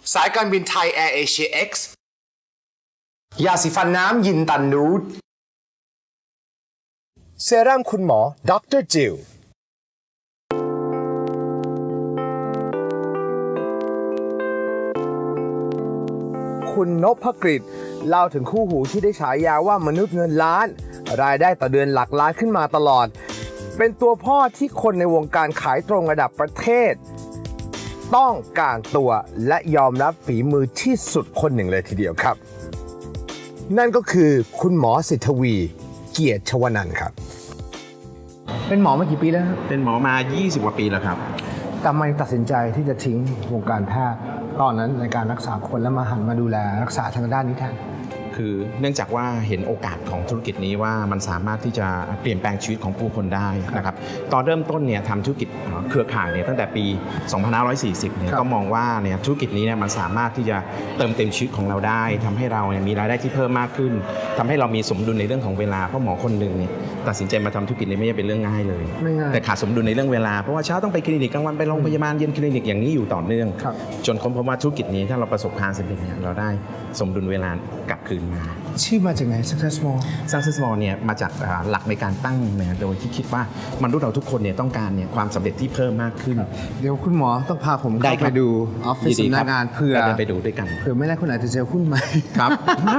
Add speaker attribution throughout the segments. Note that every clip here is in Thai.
Speaker 1: สายการบินไทยแอร์เอเชีย X ยาสีฟันน้ำยินตันนูดเซรั่มคุณหมอดร.จิลคุณนพกฤษเล่าถึงคู่หูที่ได้ฉายาว่ามนุษย์เงินล้านรายได้ต่อเดือนหลักล้านขึ้นมาตลอดเป็นตัวพ่อที่คนในวงการขายตรงระดับประเทศต้องการตัวและยอมรับฝีมือที่สุดคนหนึ่งเลยทีเดียวครับนั่นก็คือคุณหมอสิทธวีเกียรติชวนันท์ครับเป็นหมอมากี่ปีแล้วครับ
Speaker 2: เป็นหมอมา20กว่าปีแล้วครับ
Speaker 1: ทำไมตัดสินใจที่จะทิ้งวงการแพทย์ตอนนั้นในการรักษาคนแล้วมาหันมาดูแลรักษาทางด้านนี้แทน
Speaker 2: คือเนื่องจากว่าเห็นโอกาสของธุรกิจนี้ว่ามันสามารถที่จะเปลี่ยนแปลงชีวิตของผู้คนได้นะครับตอนเริ่มต้นเนี่ยทำธุรกิจเครือข่ายเนี่ยตั้งแต่ปี 2540 เนี่ยก็มองว่าเนี่ยธุรกิจนี้เนี่ยมันสามารถที่จะเติมเต็มชีวิตของเราได้ทำให้เราเนี่ยมีรายได้ที่เพิ่มมากขึ้นทำให้เรามีสมดุลในเรื่องของเวลาเพราะหมอคนหนึ่งเนี่ยตัดสินใจมาทำธุรกิจนี้ไม่ใช่เป็นเรื่องง่ายเลยแต่ขาดสมดุลในเรื่องเวลาเพราะว่าเช้าต้องไปคลินิกกลางวันไปโรงพยาบาลเย็นคลินิกอย่างนี้อยู่ต่อเนื่องจนค้นพบว่าธุรกิจนี้ถ้าเราประสบความสำเร็จเนี่ยเราได้สมดุลเวลากลับคืนมา
Speaker 1: ชื่อมาจากไหน
Speaker 2: Success Mall เนี่ยมาจากหลักในการตั้งนะโดยที่คิดว่ามนุษย์เราทุกคนเนี่ยต้องการเนี่ยความสำเร็จที่เพิ่มมากขึ้น
Speaker 1: เดี๋ยวคุณหมอต้องพาผมเข้าไปดูออฟฟิศสำนักงานเพื่อ
Speaker 2: ไปดูด้วยกัน
Speaker 1: เผื่อไม่ได้คุณอาจจะเจอหุ้นใหม่
Speaker 2: ครับ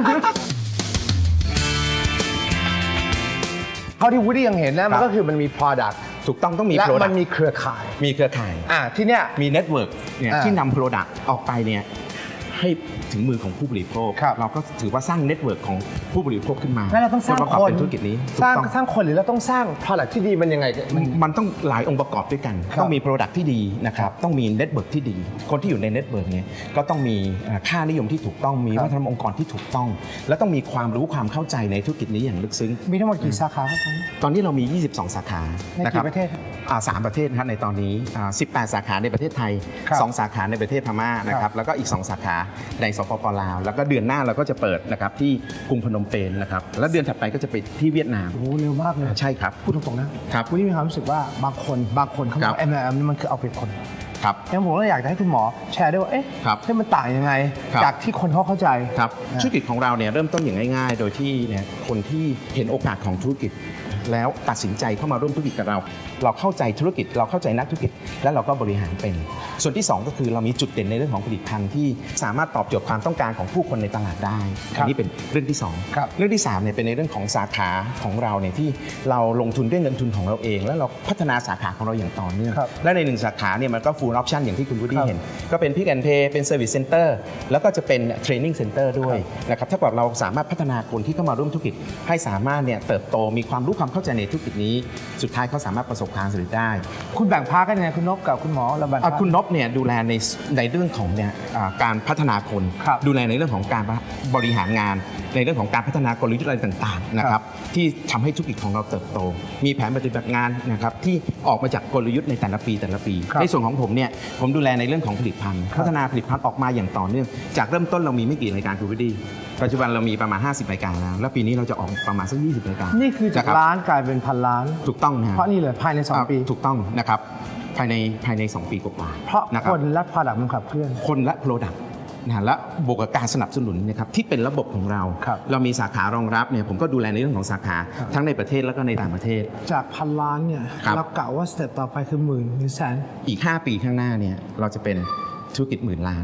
Speaker 1: เท่าที่วูดดี้ยังเห็นนะมันก็คือมันมี product
Speaker 2: ถูกต้องต้องมี
Speaker 1: product และมันมีเครือข่าย
Speaker 2: ที่เนี่ยมี network เนี่ยที่นำ product ออกไปเนี่ยให้ถึงมือของผู้บริโภคเราก็ถือว่าสร้างเน็ตเวิร์กของผู้บริโภคขึ้นมา
Speaker 1: แล้วเราต้องสร้างคน
Speaker 2: ธุรกิจนี้
Speaker 1: สร้างคนหรือเราต้องสร้าง product ที่ดีมันยังไง
Speaker 2: มันต้องหลายองค์ประกอบด้วยกันต้องมี product ที่ดีนะครับต้องมีเน็ตเวิร์กที่ดีคนที่อยู่ในเน็ตเวิร์กเนี่ยก็ต้องมีค่านิยมที่ถูกต้องมีวัฒนธรรมองค์กรที่ถูกต้องและต้องมีความรู้ความเข้าใจในธุรกิจนี้อย่างลึกซึ้ง
Speaker 1: มีทั้งหมดกี่สาขาครับ
Speaker 2: ตอนนี้เรามี22สาขา
Speaker 1: ในกี่ประเทศ
Speaker 2: 3ประเทศครับในตอนนี้18สาขาในประเทศไทย2สาขาในประเทศพม่านะครับแล้วก็อีก2สาขาในสปป.ลาวแล้วก็เดือนหน้าเราก็จะเปิดนะครับที่กรุงพนมเปญนะครับแล้วเดือนถัดไปก็จะไปที่เวียดนาม
Speaker 1: โอ้เร็วมากเลย
Speaker 2: ใช่ครับ
Speaker 1: พูดตรงๆนะครับคุณนี่มีความรู้สึกว่าบางคนเขาบอก MLM นี่มันคือเอาเปรียบคน
Speaker 2: ครับ
Speaker 1: งั้นผมก็อยากจะให้คุณหมอแชร์ด้วยว่าให้มันต่างยังไงจากที่คนเขาเข้าใจ
Speaker 2: ครับธุรกิจของเราเนี่ยเริ่มต้นอย่างง่ายๆโดยที่เนี่ยคนที่เห็นโอกาสของธุรกิจแล้วตัดสินใจเข้ามาร่วมธุรกิจกับเราเข้าใจธุรกิจเราเข้าใจนักธุรกิจและเราก็บริหารเป็นส่วนที่2ก็คือเรามีจุดเด่นในเรื่องของผลิตภัณฑ์ที่สามารถตอบโจทย์ความต้องการของผู้คนในตลาดได้อันนี้เป็นเรื่องที่2เรื่องที่3เนี่ยเป็นในเรื่องของสาขาของเราเนี่ยที่เราลงทุนด้วยเงินทุนของเราเองแล้วเราพัฒนาสาขาของเราอย่างต่อเนื่องและใน1สาขาเนี่ยมันก็ full option อย่างที่คุณวูดดี้เห็นก็เป็น Pick and Pay เป็น Service Center แล้วก็จะเป็น Training Center ด้วยนะครับถ้าเกิดเราสามารถพัฒนาคนที่เข้ามาร่วมธุรกิจให้สามารถเนี่ยเติบโตมีความรู้ความเข้าใจในธุรกิจนี้สุดท้ายเขาสามารถประสบความสำเร็จได้
Speaker 1: คุณแบ่งพาร์ทกันยังไงคุณนพกับคุณหมอเราแบ่ง
Speaker 2: คุณนพเนี่ยดูแลในเรื่องของเนี่ยการพัฒนาคนดูแลในเรื่องของการบริหารงานในเรื่องของการพัฒนากลยุทธ์อะไรต่างๆนะครับที่ทำให้ธุรกิจของเราเติบโตมีแผนปฏิบัติงานนะครับที่ออกมาจากกลยุทธ์ในแต่ละปีในส่วนของผมเนี่ยผมดูแลในเรื่องของผลิตภัณฑ์พัฒนาผลิตภัณฑ์ออกมาอย่างต่อเนื่องจากเริ่มต้นเรามีไม่กี่รายการคุณวูดดี้ปัจจุบันเรามีประมาณ50รายการแล้วปีนี้เราจะออกประมาณสัก20รายการ
Speaker 1: นี่คือจากล้านกลายเป็นพันล้าน
Speaker 2: ถูกต้องนะ
Speaker 1: เพราะนี่เลยภายใน2ปี
Speaker 2: ถูกต้องนะครับภายใน2ปีกว่า
Speaker 1: เพราะคนและ product มันขับเคลื่อน
Speaker 2: คนและ product นะและบวกกับการสนับสนุนนะครับที่เป็นระบบของเราเรามีสาขารองรับเนี่ยผมก็ดูแลในเรื่องของสาขาทั้งในประเทศแล้วก็ในต่างประเทศ
Speaker 1: จากพันล้านเนี่ยเรากะว่าสเต็ปต่อไปคือหมื่นหรือแสน
Speaker 2: อีก5ปีข้างหน้าเนี่ยเราจะเป็นธุรกิจหมื่นล้าน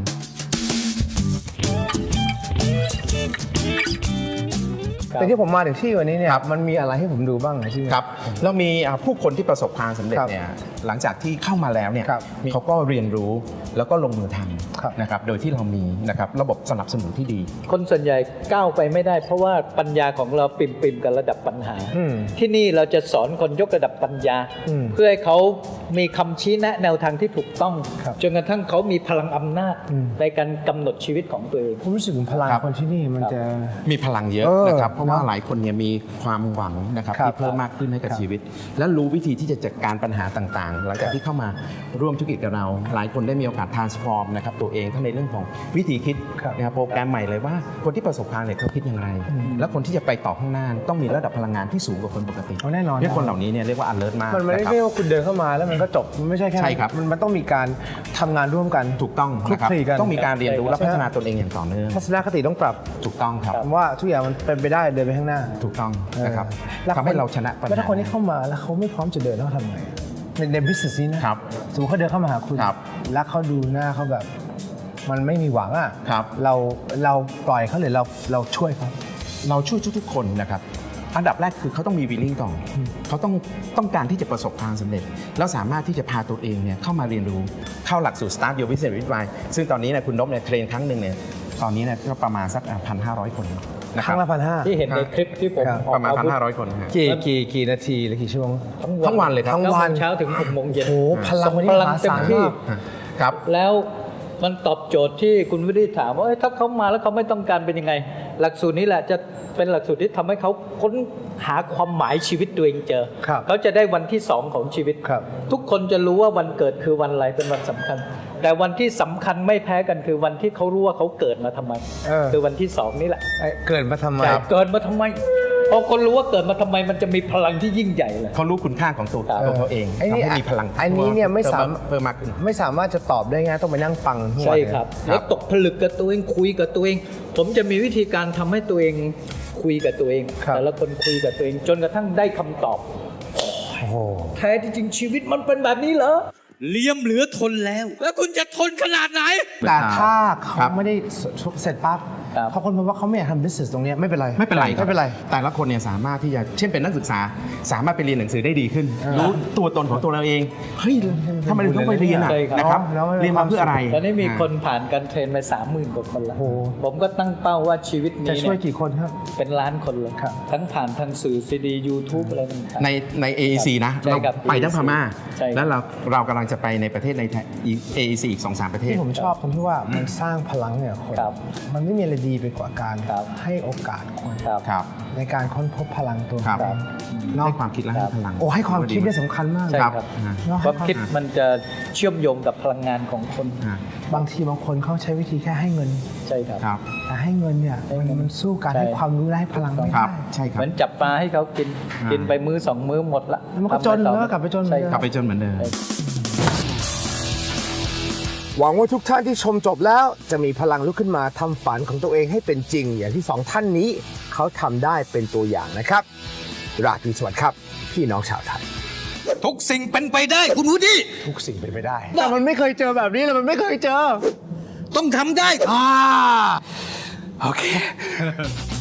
Speaker 1: แต่ที่ผมมาถึงที่วันนี้เนี่ยมันมีอะไรให้ผมดูบ้างในที่นี้
Speaker 2: ครับเรามีผู้คนที่ประสบความสำเร็จเนี่ยหลังจากที่เข้ามาแล้วเนี่ยเขาก็เรียนรู้แล้วก็ลงมือทำนะครับโดยที่เรามีนะครับระบบสนับสนุนที่ดี
Speaker 3: คนส่วนใหญ่ก้าวไปไม่ได้เพราะว่าปัญญาของเราปิ่มกับระดับปัญหาที่นี่เราจะสอนคนยกระดับปัญญาเพื่อให้เขามีคำชี้แนะแนวทางที่ถูกต้องจนกระทั่งเขามีพลังอำนาจในการกำหนดชีวิตของตัวเอง
Speaker 1: ผมรู้สึกถึงพลังคนที่นี่มันจะ
Speaker 2: มีพลังเยอะนะครับเพราะว่าหลายคนเนี่ยมีความหวังนะครับที่เพิ่มมากขึ้นให้กับชีวิตและรู้วิธีที่จะจัดการปัญหาต่างๆหลังจากที่เข้ามาร่วมธุรกิจกับเราหลายคนได้มีโอกาส transform นะครับตัวเองทั้งในเรื่องของวิธีคิดนะครับโปรแกรมใหม่เลยว่าคนที่ประสบความสำเร็จเขาคิดอย่างไรและคนที่จะไปต่อข้างหน้าต้องมีระดับพลังงานที่สูงกว่าคนปกติ
Speaker 1: แน่นอน
Speaker 2: ที่คนเหล่านี้เนี่ยเรียกว่า alert มาก
Speaker 1: มันไม่ได้ว่าคุณเดินเข้ามาแล้วมันมันก็จบมันไม่ใช่แค่
Speaker 2: ใช่ครับ
Speaker 1: มันต้องมีการทำงานร่วมกัน
Speaker 2: ถูกต้อง
Speaker 1: คลุก
Speaker 2: นะครับ
Speaker 1: คลีกัน
Speaker 2: ต้องมีการเรียนรู้และพัฒนาตนเองอย่างต่อเนื่อง
Speaker 1: ทัศนคติต้องปรับ
Speaker 2: ถูกต้องครับ
Speaker 1: ผมว่าทุกอย่างมันเป็นไปได้เดินไปข้างหน้า
Speaker 2: ถูกต้องนะครับ
Speaker 1: แล้ว
Speaker 2: ทำให้เราชนะปัญ
Speaker 1: แล้ว
Speaker 2: หา
Speaker 1: ถ้าคนที่เข้ามาแล้วเขาไม่พร้อมจะเดินเขาทำไงใน business นี้นะครับ สมมติเขาเดินเข้ามาหาคุณ
Speaker 2: ครับ
Speaker 1: แล้วเขาดูหน้าเขาแบบ มันไม่มีหวังอ่ะ
Speaker 2: ครับ
Speaker 1: เราปล่อยเขาหรือเราช่วยเขา
Speaker 2: เราช่วยทุกๆคนนะครับ อันดับแรกคือเขาต้องมีวิลลิ่งก่อนเขาต้องการที่จะประสบความสำเร็จ แล้วสามารถที่จะพาตัวเองเนี่ยเข้ามาเรียนรู้เข้าหลักสูตร Start Your Business with Why ซึ่งตอนนี้เนี่ยคุณนพเนี่ยเทรนครั้งหนึ่งเนี่ยตอนนี้เนี่ยก็ประมาณสัก 1,500 คนนะ
Speaker 1: ค
Speaker 2: ครั
Speaker 1: รั้
Speaker 2: บ
Speaker 1: งละ1,500
Speaker 3: ที่เห็นในคลิปที่ผม
Speaker 1: ครับ
Speaker 3: ออก
Speaker 2: ประมาณ
Speaker 3: อาวุธ
Speaker 2: 1,500 คนนะฮะ
Speaker 1: กี่นาทีหรือกี่ชั่วโมง
Speaker 2: ทั้งวันเลยครับ
Speaker 1: ทั้งวัน
Speaker 3: 9 โมงเช้าถึง 6 โมงเย็น
Speaker 1: โอ้โหพลังวันนี้
Speaker 3: พ
Speaker 1: ม
Speaker 3: ลัง
Speaker 1: หา
Speaker 3: เต็ม
Speaker 1: ศาล
Speaker 3: ที่
Speaker 1: มาก
Speaker 2: ครับ
Speaker 3: แล้วมันตอบโจทย์ที่คุณวิริถามว่าถ้าเขามาแล้วเขาไม่ต้องการเป็นยังไง หลักสูตรนี้แหละจะเป็นหลักสูตรที่ทำให้เขาค้นหาความหมายชีวิตตัวเองเจอ
Speaker 1: ครับ
Speaker 3: เขาจะได้วันที่ 2 ของชีวิต
Speaker 1: ครับ
Speaker 3: ทุกคนจะรู้ว่าวันเกิดคือวันอะไรเป็นวันสำคัญ แต่วันที่สำคัญไม่แพ้กันคือวันที่เขารู้ว่าเขาเกิดมาทำไม คือวันที่ 2 นี่แหละ
Speaker 1: เกิดมาทำไม
Speaker 3: ใช่เกิดมาทำไมพอคนรู้ว่าเกิดมาทำไมมันจะมีพลังที่ยิ่งใหญ่เลย
Speaker 2: เขารู้คุณค่าของตัวเขาเอง
Speaker 1: ไอ้นี่
Speaker 2: ทำให้มีพลัง
Speaker 1: อันนี้เนี่ยไม่สาม
Speaker 2: เพิ่มมากขึ้น
Speaker 1: ไม่สามารถจะตอบได้ง่ายต้องไปนั่งฟังทั้งวัน
Speaker 3: ใช่ครับ
Speaker 2: ครับ
Speaker 3: แล้วตกผลึกกับตัวเองคุยกับตัวเอง ผมจะมีวิธีการทำให้ตัวเองคุยกับตัวเอง แต่ละคนคุยกับตัวเอง จนกระทั่งได้คำตอบ
Speaker 1: โอ้โห
Speaker 3: แท้ที่จริงชีวิตมันเป็นแบบนี้เหรอ
Speaker 4: เลี่ยมเหลือทนแล้ว แล้วคุณจะทนขนาดไหน
Speaker 1: แต่ถ้าเขา
Speaker 2: ครับ
Speaker 1: ไม่ได้เสร็จปั๊บ
Speaker 3: ครับ
Speaker 1: พอคนพบว่าเขาไม่อยากทำ business ตรงเนี้ยไม่เป็นไร
Speaker 2: ไม่เป็นไรคบ
Speaker 1: ไม่เป็นไร
Speaker 2: แต่ละคนเนี่ยสามารถที่จะเช่นเป็นนักศึกษา สามารถไปเรียนหนังสือได้ดีขึ้น รู้ตัวตนของตัวเราเองเฮ้ยทำไมถึงต้องไปเรียนอ่ะ
Speaker 3: ใช่ครับ
Speaker 2: นะครับ
Speaker 1: แล้ว
Speaker 2: เรียนมาเพื่ออะไร
Speaker 3: ตอนนี้มีคนผ่านการเทรนไป 30,000 กว่าคนแล้ว
Speaker 1: โอ้โห
Speaker 3: ผมก็ตั้งเป้าว่าชีวิต
Speaker 1: จะ
Speaker 3: นี้
Speaker 1: ช่วย
Speaker 3: เนี่ย
Speaker 1: กี่คนครับ
Speaker 3: เป็นล้านคนเลย
Speaker 1: ครับ
Speaker 3: ทั้งผ่านทางสื่อซีดี YouTube อะไรต่างๆ
Speaker 2: ใน AEC นะ
Speaker 3: ใช่
Speaker 2: เรา
Speaker 3: ครับ
Speaker 2: ไปทั้งพม่า
Speaker 3: ใช่ครับ
Speaker 2: แล้วเรากำลังจะไปในประเทศใน AEC อีก 2-3 ประเทศ
Speaker 1: ที่ผมชอบตรงที่ว่ามันสร้างพลังเนี่ยคน
Speaker 3: ครับ
Speaker 1: มันไม่มีอะไรดีไปกว่าการ
Speaker 3: ครับ
Speaker 1: ให้โอกาสคน
Speaker 3: ครับ
Speaker 2: ครับ
Speaker 1: ในการค้นพบพลังตัว
Speaker 2: ครับ
Speaker 1: เอง
Speaker 2: ให้ความคิดและให้พลัง
Speaker 1: โอ้ให้ความคิดเนี่ยสำคัญมาก
Speaker 3: ใช่
Speaker 2: ครับ
Speaker 3: ครับ
Speaker 1: เนอะ
Speaker 3: ความคิดมันจะเชื่อมโยงกับพลังงานของคน
Speaker 2: อ่า
Speaker 1: บางทีบางคนเขาใช้วิธีแค่ให้เงิน
Speaker 3: ใช่ครับ
Speaker 2: ครับ
Speaker 1: แต่ให้เงินเนี่ยมันสู้การ
Speaker 3: ใช่
Speaker 1: ให้ความรู้และให้พลังไม่
Speaker 2: ครั
Speaker 1: ได้
Speaker 2: บใช่ครั
Speaker 3: เห
Speaker 2: บ
Speaker 3: มือนจับปลาให้เขากิน
Speaker 2: อ่ากิ
Speaker 3: กินไปมื้อ 2 มื้อหมดละ
Speaker 1: มันก็จน
Speaker 3: ทำอะรต่อ
Speaker 1: แล้วก็กลับไปจนเหมือนเดิม
Speaker 3: ใช่
Speaker 2: กลับไปจนเหมือนเดิม
Speaker 1: หวังว่าทุกท่านที่ชมจบแล้วจะมีพลังลุกขึ้นมาทำฝันของตัวเองให้เป็นจริง อย่างที่สองท่านนี้เขาทำได้เป็นตัวอย่างนะครับ ราตรีสวัสดิ์ครับ พี่น้องชาวไทย
Speaker 4: ทุกสิ่งเป็นไปได้คุณวูดดี้
Speaker 1: ทุกสิ่งเป็นไปได้ แต่มันไม่เคยเจอแบบนี้เลยมันไม่เคยเจอ
Speaker 4: ต้องทำได้
Speaker 1: โอเค